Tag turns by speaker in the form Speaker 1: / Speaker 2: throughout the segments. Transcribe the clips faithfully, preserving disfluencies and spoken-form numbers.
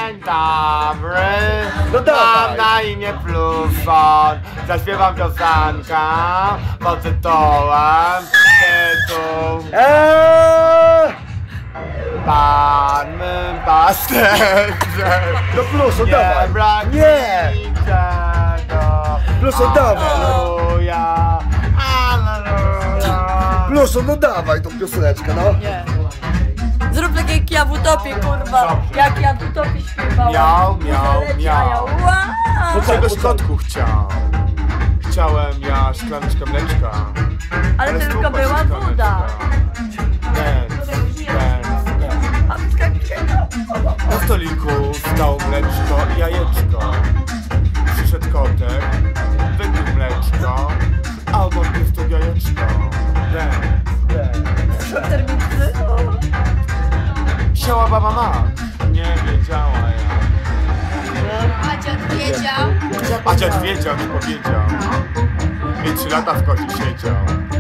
Speaker 1: Dzień dobry,
Speaker 2: No dawaj.
Speaker 1: mam na imię Pluszon. Zaśpiewam piosenkę pod tytułem tytuł
Speaker 2: Eee!
Speaker 1: Pan mym pasterze.
Speaker 2: No Pluszon,
Speaker 1: Nie
Speaker 2: dawaj.
Speaker 1: brak
Speaker 2: Nie.
Speaker 1: niczego.
Speaker 2: Pluszon, dawaj.
Speaker 1: Alleluja, alleluja.
Speaker 2: Pluszon, no dawaj tą pioseneczkę, no.
Speaker 3: Nie. Zrób tak jak ja w utopii, kurwa.
Speaker 1: Dobrze.
Speaker 3: Jak ja w utopii śpiewałam.
Speaker 1: Miał, miał,
Speaker 3: Zaleci,
Speaker 1: miał.
Speaker 3: a ja ła!
Speaker 2: No
Speaker 1: Czegoś
Speaker 2: tak,
Speaker 1: kotku chciał. Chciałem ja szklaneczkę mleczka.
Speaker 3: Ale
Speaker 1: Ale
Speaker 3: tylko
Speaker 1: stupa
Speaker 3: była
Speaker 1: się
Speaker 3: woda.
Speaker 1: szklaneczka. Dance, dance, dance.
Speaker 3: A czekaj, czekaj, no.
Speaker 1: Na stoliku stał mleczko i jajeczko. Przyszedł kotek, wypił mleczko, a obok jest jajeczko. Dance, dance.
Speaker 3: Termicy.
Speaker 1: Siała baba ma. Nie wiedziała ja.
Speaker 4: A dziad wiedział.
Speaker 1: A dziad wiedział, nie powiedział. I trzy lata w kozie siedział.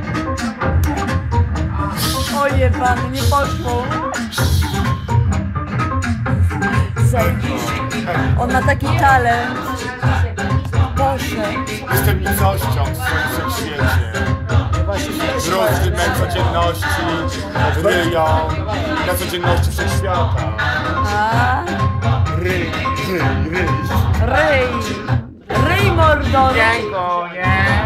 Speaker 3: Oje pan, nie poszło. Zajebiście. On ma taki talent. Boże.
Speaker 1: Jestem nicością w swoim świecie. Różny mej codzienności ryją na codzienności wszechświata.
Speaker 3: A,
Speaker 2: Ryj, ryj, ryj.
Speaker 3: ryj. Ryj mordo.
Speaker 1: Dziękuję.